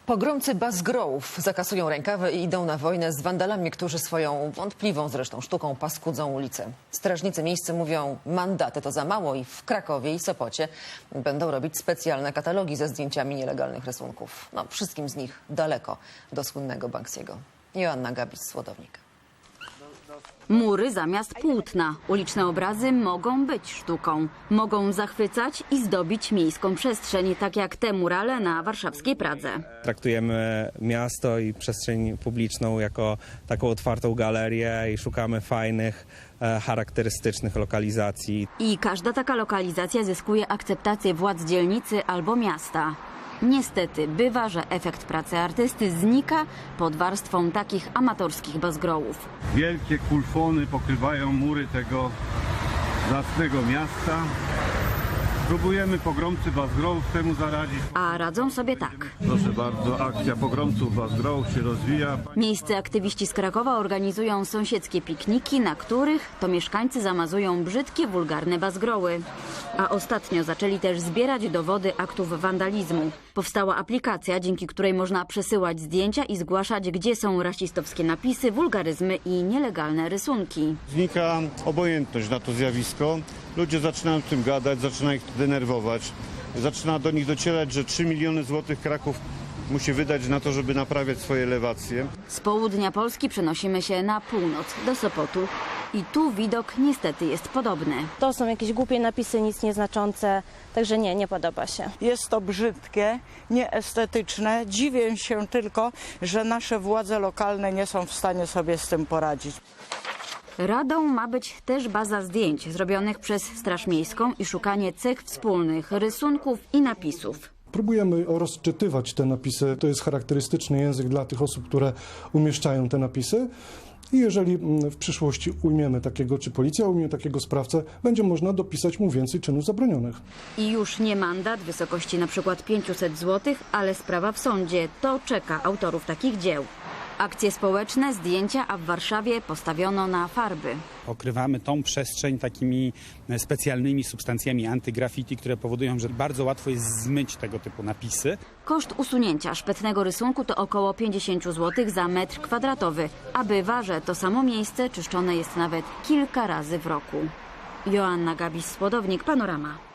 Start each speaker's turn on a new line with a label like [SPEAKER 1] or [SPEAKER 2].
[SPEAKER 1] Pogromcy Basgrołów zakasują rękawy i idą na wojnę z wandalami, którzy swoją wątpliwą zresztą sztuką paskudzą ulice. Strażnicy miejscy mówią, mandaty to za mało i w Krakowie i Sopocie będą robić specjalne katalogi ze zdjęciami nielegalnych rysunków. No, wszystkim z nich daleko do słynnego Banksiego. Joanna Gabis-Słodownik.
[SPEAKER 2] Mury zamiast płótna. Uliczne obrazy mogą być sztuką. Mogą zachwycać i zdobić miejską przestrzeń, tak jak te murale na warszawskiej Pradze.
[SPEAKER 3] Traktujemy miasto i przestrzeń publiczną jako taką otwartą galerię i szukamy fajnych, charakterystycznych lokalizacji.
[SPEAKER 2] I każda taka lokalizacja zyskuje akceptację władz dzielnicy albo miasta. Niestety bywa, że efekt pracy artysty znika pod warstwą takich amatorskich Basgrołów.
[SPEAKER 4] Wielkie kulfony pokrywają mury tego zacnego miasta. Próbujemy pogromcy Basgrołów temu zaradzić.
[SPEAKER 2] A radzą sobie tak.
[SPEAKER 4] Proszę bardzo, akcja pogromców Basgrołów się rozwija.
[SPEAKER 2] Miejscy aktywiści z Krakowa organizują sąsiedzkie pikniki, na których to mieszkańcy zamazują brzydkie, wulgarne Basgroły. A ostatnio zaczęli też zbierać dowody aktów wandalizmu. Powstała aplikacja, dzięki której można przesyłać zdjęcia i zgłaszać, gdzie są rasistowskie napisy, wulgaryzmy i nielegalne rysunki.
[SPEAKER 4] Znika obojętność na to zjawisko. Ludzie zaczynają o tym gadać, zaczyna ich to denerwować. Zaczyna do nich docierać, że 3 miliony złotych Kraków musi wydać na to, żeby naprawiać swoje elewacje.
[SPEAKER 2] Z południa Polski przenosimy się na północ, do Sopotu. I tu widok niestety jest podobny.
[SPEAKER 5] To są jakieś głupie napisy, nic nieznaczące, także nie podoba się.
[SPEAKER 6] Jest to brzydkie, nieestetyczne. Dziwię się tylko, że nasze władze lokalne nie są w stanie sobie z tym poradzić.
[SPEAKER 2] Radą ma być też baza zdjęć zrobionych przez Straż Miejską i szukanie cech wspólnych, rysunków i napisów.
[SPEAKER 7] Próbujemy rozczytywać te napisy. To jest charakterystyczny język dla tych osób, które umieszczają te napisy. I jeżeli w przyszłości ujmiemy takiego, czy policja ujmie takiego sprawcę, będzie można dopisać mu więcej czynów zabronionych.
[SPEAKER 2] I już nie mandat w wysokości np. 500 zł, ale sprawa w sądzie. To czeka autorów takich dzieł. Akcje społeczne, zdjęcia, a w Warszawie postawiono na farby.
[SPEAKER 8] Okrywamy tą przestrzeń takimi specjalnymi substancjami antygraffiti, które powodują, że bardzo łatwo jest zmyć tego typu napisy.
[SPEAKER 2] Koszt usunięcia szpetnego rysunku to około 50 zł za metr kwadratowy, a bywa, że to samo miejsce czyszczone jest nawet kilka razy w roku. Joanna Gabis-Słodownik, Panorama.